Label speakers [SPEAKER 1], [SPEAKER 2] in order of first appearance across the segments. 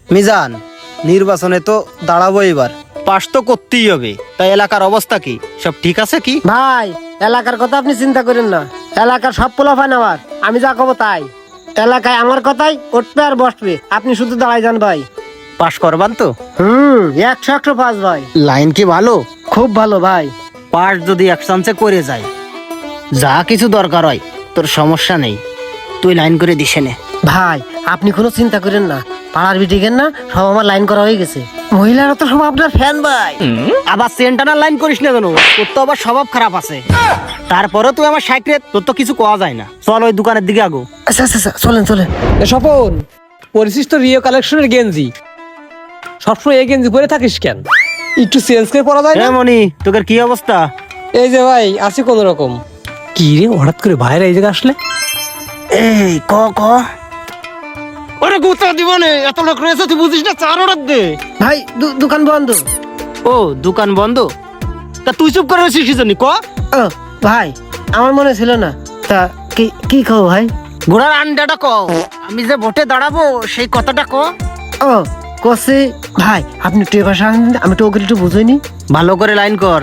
[SPEAKER 1] মিজান, নির্বাচনে তো দাঁড়াবো এবার, পাশ তো করতেই হবে। তাই এলাকার অবস্থা কি, সব ঠিক আছে কি?
[SPEAKER 2] ভাই এলাকার কথা আপনি চিন্তা করেন না, এলাকার সব পোলাপান আমার, আমি যা কব তাই। এলাকায় আমার কথাই উঠবে আর বসবে, আপনি শুধু দাঁড়াই যান ভাই।
[SPEAKER 1] পাশ করবান তো?
[SPEAKER 2] 100 পাস ভাই।
[SPEAKER 1] লাইন কি ভালো?
[SPEAKER 2] খুব ভালো ভাই।
[SPEAKER 1] পাশ যদি এক চান্সে করে যায়, যা কিছু দরকার হয় তোর সমস্যা নেই, তুই লাইন করে দিসে নে।
[SPEAKER 2] ভাই আপনি কোনো চিন্তা করেন না, পাড়ার বিটিকেন না সব আমার লাইন করা হয়ে গেছে, মহিলারা তো সব আপনার ফ্যান ভাই।
[SPEAKER 1] আবার সেন্টানার লাইন করিস না কেন? তোর তো আবার স্বভাব খারাপ আছে। তারপরে তুই আমার সাইকেল, তোর তো কিছু কোয়া যায় না। চল ওই দোকানের দিকে আগো।
[SPEAKER 2] আচ্ছা আচ্ছা আচ্ছা, চলেন চলেন।
[SPEAKER 3] স্বপন, পরিচিস তো রিও কালেকশনের গেঞ্জি, সবসময় এই গেঞ্জি পরে থাকিস কেন? একটু চেঞ্জ করে পরা যায় না?
[SPEAKER 1] মনি, তোর কি অবস্থা?
[SPEAKER 3] এই যে ভাই আছি কোন রকম। কি রে হঠাৎ করে বাইরে এই জায়গা আসলে?
[SPEAKER 1] এই ক ক ওরে গুতা দিব নে, এত লোক রয়েছে তুই বুঝিস না, 4 অর্ডার দে।
[SPEAKER 2] ভাই দোকান বন্ধ।
[SPEAKER 1] ও দোকান বন্ধ? তা তুই চুপ করে রয়েছিস কি জন্য ক?
[SPEAKER 2] ও ভাই আমার মনে ছিল না, তা কি কি খাও ভাই?
[SPEAKER 1] ঘোড়ার আন্ডাটা ক, আমি যে ভোটে দাঁড়াবো সেই কথাটা ক।
[SPEAKER 2] ও কসে ভাই, আপনি একটু এবার আমি তো ওকে একটু বুঝিনি।
[SPEAKER 1] ভালো করে লাইন কর।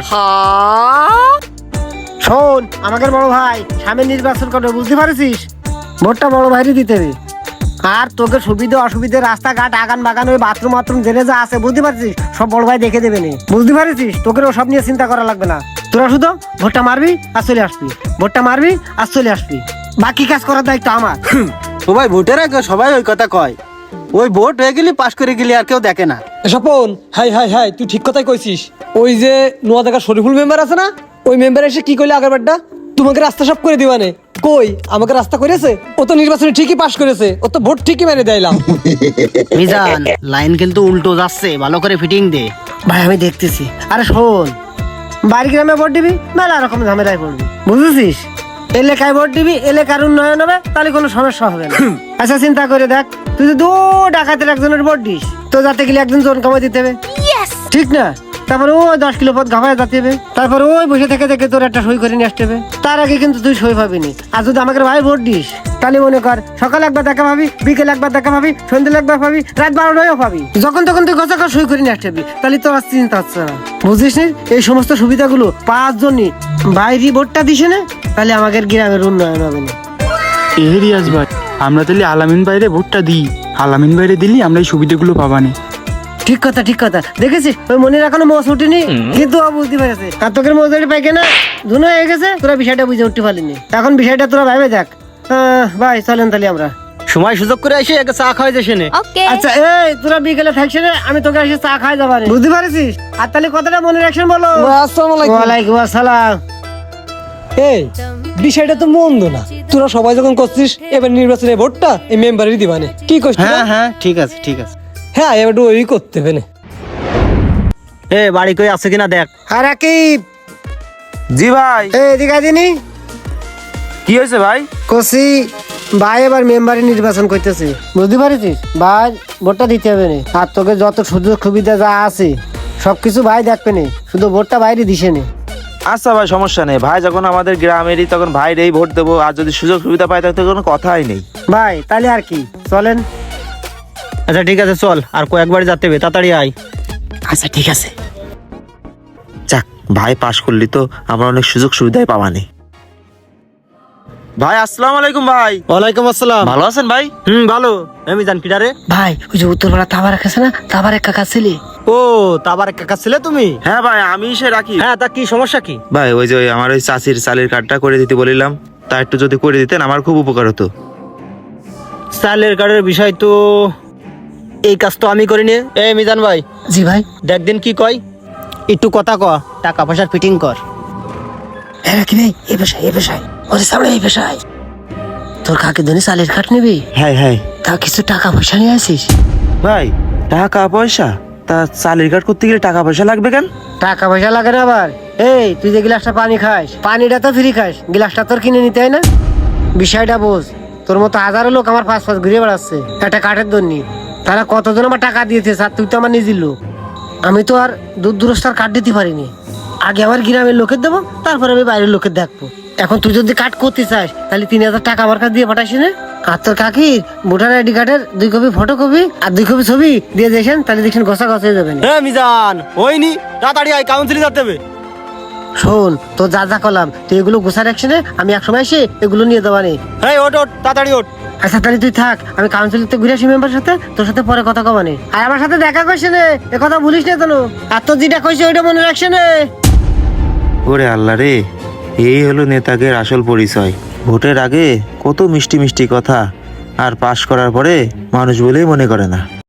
[SPEAKER 2] শোন আমাদের বড় ভাই সামনে নির্বাচন করবে, বুঝতে পারছিস? ভোটটা বড় ভাইরই দিতে হবে। আর তোকে সুবিধা অসুবিধা, রাস্তাঘাট আগান বাগান, ওই বাথরুম বাথরুম জেনে যা আছে, বুঝতে পারছিস? সব বড় ভাই দেখে দেবে নে, বুঝতে পারছিস? তোকে সব নিয়ে চিন্তা করা লাগবে না। তোরা শুধু ভোটটা মারবি আর চলে আসবি, ভোটটা মারবি আর চলে আসবি, বাকি কাজ করার দায়িত্ব আমার।
[SPEAKER 1] ও ভাই, ভোটের আগে সবাই ওই কথা কয়, ওই ভোট হয়ে গেলি পাশ করে গেলি আর কেউ দেখে না।
[SPEAKER 3] স্বপন, হাই হাই হাই, তুই ঠিক কথাই কইছিস। ওই যে নোয়াদাকা শরীফুল মেম্বার আছে না, ওই মেম্বার এসে কি কইলে আগের বারটা, তোমাকে রাস্তা সব করে দিবানে। কই আমাকে রাস্তা করেছে? ও তো নির্বাচনে ঠিকই পাশ করেছে, ও তো ভোট ঠিকই মেরে দিলাম।
[SPEAKER 1] মিজান, লাইন কিন্তু উল্টো যাচ্ছে, ভালো করে ফিটিং দে।
[SPEAKER 2] ভাই আমি দেখতেছি। আরে শোন, বাড়ি গ্রামে ভোট দিবি, মেলা রকম ঝামেলায় পড়বি, বুঝেছিস? এলাকায় ভোট দিবি, এলাকার উন্নয়ন হবে, তাহলে কোনো সমস্যা হবে না। আচ্ছা চিন্তা করে দেখ, তুই যদি 2 ডাকাতের একজনের ভোট দিস, তো যাতে গেলে একজন জন কামাই দিতে হবে, ঠিক না? তারপরে ওই 10 কিলো পথ ঘামায় যেতে হবে, তারপরে ওই বসে থেকে থেকে তোর একটা সই করে নিয়ে আসতে হবে। তার আগে কিন্তু তুই সই পাবি নি। আর যদি আমাকে ভাই ভোট দিস, তাহলে মনে কর সকালে একবার দেখা পাবি, বিকেলে একবার দেখা পাবি, সন্ধ্যে একবার পাবি, রাত 12টায়ও পাবি, যখন তখন তুই কথা সই করে নিয়ে আসতে হবে। তাহলে তোর আর চিন্তা হচ্ছে না, বুঝিস নি? এই সমস্ত সুবিধাগুলো 5 জনই বাইরে ভোটটা দিস না, তাহলে আমাদের গ্রামের উন্নয়ন হবে না।
[SPEAKER 4] রিয়াজ ভাই, আমরা তাহলে আলামিন বাইরে ভোটটা দিই, আলামিন বাইরে দিলি আমরা এই সুবিধাগুলো পাবানি।
[SPEAKER 2] ঠিক কথা ঠিক কথা, দেখেছিস ওই মনির এখনো মোষ উঠেনি, কিন্তু ও বুঝতে পেরেছে। আর তোকে মজুরি পাই কেনা ধুনো হয়ে গেছে, তোরা বিষয়টা বুঝে উঠতে পারলিনি। এখন বিষয়টা তোরা ভাবে দেখ। ভাই চলেন তাহলে আমরা
[SPEAKER 1] সময় সুযোগ করে এসে একটা চা খাওয়াই যাস নে।
[SPEAKER 2] আচ্ছা এই তোরা বিকেলে থাকছে না, আমি তোকে এসে চা খাই যাবানি, বুঝতে পারছিস? আর তাহলে কথাটা মনে রাখছেন, বলো।
[SPEAKER 3] আসসালামু আলাইকুম।
[SPEAKER 2] ওয়ালাইকুম আসসালাম।
[SPEAKER 3] এই বিষয়টা তো মন্দ না, তোরা সবাই যখন করছিস এবার নির্বাচনে ভোটটা এই মেম্বারেরই দিবানে, কি করছিস?
[SPEAKER 1] হ্যাঁ হ্যাঁ, ঠিক আছে ঠিক আছে।
[SPEAKER 3] হ্যাঁ এবার ওই করতে হবে না।
[SPEAKER 1] এ বাড়ি কই আছে কিনা দেখ।
[SPEAKER 2] আর রাকিব,
[SPEAKER 4] জি ভাই।
[SPEAKER 2] এই এদিকে দিনি
[SPEAKER 4] কি হয়েছে ভাই?
[SPEAKER 2] কসি ভাই এবার মেম্বারে নির্বাচন করতেছে, বুঝতে পারছিস? ভাই ভোটটা দিতে হবে না, আর তোকে যত সুযোগ সুবিধা যা আছে সবকিছু ভাই দেখবে না, শুধু ভোটটা বাইরে দিছে না।
[SPEAKER 5] আচ্ছা ভাই, সমস্যা নেই ভাই, যখন আমাদের গ্রামেরই তখন ভাইরেই ভোট দেবো, আর যদি সুযোগ সুবিধা পাই তাহলে তো কোনো কথাই নেই।
[SPEAKER 2] ভাই তাহলে আর কি, চলেন।
[SPEAKER 1] আচ্ছা ঠিক আছে, চল, আর কয়েকবার যেতে হবে, তাড়াতাড়ি আয়।
[SPEAKER 5] আচ্ছা ঠিক আছে, যাক ভাই পাশ করলি তো আমরা অনেক সুযোগ সুবিধাই পাবানি। ভাই আসসালামু আলাইকুম ভাই।
[SPEAKER 1] ওয়ালাইকুম আসসালাম।
[SPEAKER 5] ভালো আছেন ভাই?
[SPEAKER 1] ভালো। আমি জান কিডারে?
[SPEAKER 2] ভাই ওই যে উত্তরপাড়া তাবার আছে না, তাবার এক কাকা ছেলে।
[SPEAKER 1] ও তাবার কাকা ছিলে তুমি?
[SPEAKER 5] হ্যাঁ ভাই, আমি সে রাখি।
[SPEAKER 1] হ্যাঁ, তা কি সমস্যা কি?
[SPEAKER 5] ভাই ওই যে আমার ওই চাষির চালের কার্ডটা করে দিতে বলিলাম, তা একটু যদি করে দিতেন আমার খুব উপকার হতো।
[SPEAKER 1] চালের কার্ডের বিষয় তো এই কাজ তো আমি করিনি। এই মিজান ভাই,
[SPEAKER 2] জি ভাই।
[SPEAKER 1] দেখ দিন কি কয়, একটু কথা ক, টাকা পয়সার ফিটিং কর।
[SPEAKER 2] হ্যাঁ কি ভাই, এই পেশায় ওরে সামনে এই পেশায় তোর কাকে ধরে চালের কাঠ নিবি,
[SPEAKER 5] হ্যাঁ হ্যাঁ
[SPEAKER 2] তা কিছু টাকা পয়সা নিয়ে আসিস।
[SPEAKER 5] ভাই, টাকা পয়সা? তা চালের কার্ড করতে গেলে টাকা পয়সা লাগবে কেন?
[SPEAKER 2] টাকা পয়সা লাগে না আবার। এই তুই যে গ্লাসটা পানি খাস, পানিটা তো ফ্রি খাস, গ্লাসটা তোর কিনে নিতে হয় না? বিষয়টা বোঝ। তোর মতো হাজারো লোক আমার পাশ ঘুরে বেড়াচ্ছে একটা কাঠের দন্যি, তারা কতজন আমার টাকা দিয়েছে, আর তুই তো আমার নিজের লোক। আমি তো আর দূর দূরস্থার কাঠ দিতে পারিনি, আগে আমার গ্রামের লোকের দেবো, তারপরে আমি বাইরের লোকের দেখবো। এখন তুই যদি কাঠ করতে চাস, তাহলে 3000 টাকা আমার কাছে দিয়ে পাঠাইস না। আর তোর কাকির ভোটার আইডি কার্ডের 2 কপি ফটোকপি আর 2 কপি ছবি দিয়ে দেখেন, তাহলে দেখেন গোছা গছ হয়ে যাবে না।
[SPEAKER 1] হ্যাঁ মিজান ওইনি তাড়াতাড়ি আয় কাউন্সিলে যেতে হবে।
[SPEAKER 2] শোন, তো যা যা করলাম তুই এগুলো গোছার অ্যাকশনে আমি এক সময় এসে এগুলো নিয়ে যাবা নেই।
[SPEAKER 1] হ্যাঁ ওট ওট তাড়াতাড়ি ওঠ।
[SPEAKER 2] আচ্ছা তাহলে তুই থাক, আমি কাউন্সিলতে ঘুরে আসি মেম্বারের সাথে, তোর সাথে পরে কথা কবা নেই। আর আমার সাথে দেখা কইছে নে, এ কথা ভুলিস না জানো। আর তোর যেটা কইছে ওইটা মনে রাখছে নে।
[SPEAKER 5] ওরে আল্লাহ রে, এই হলো নেতাদের আসল পরিচয়। ভোটের আগে কত মিষ্টি মিষ্টি কথা, আর পাশ করার পরে মানুষ বলেই মনে করে না।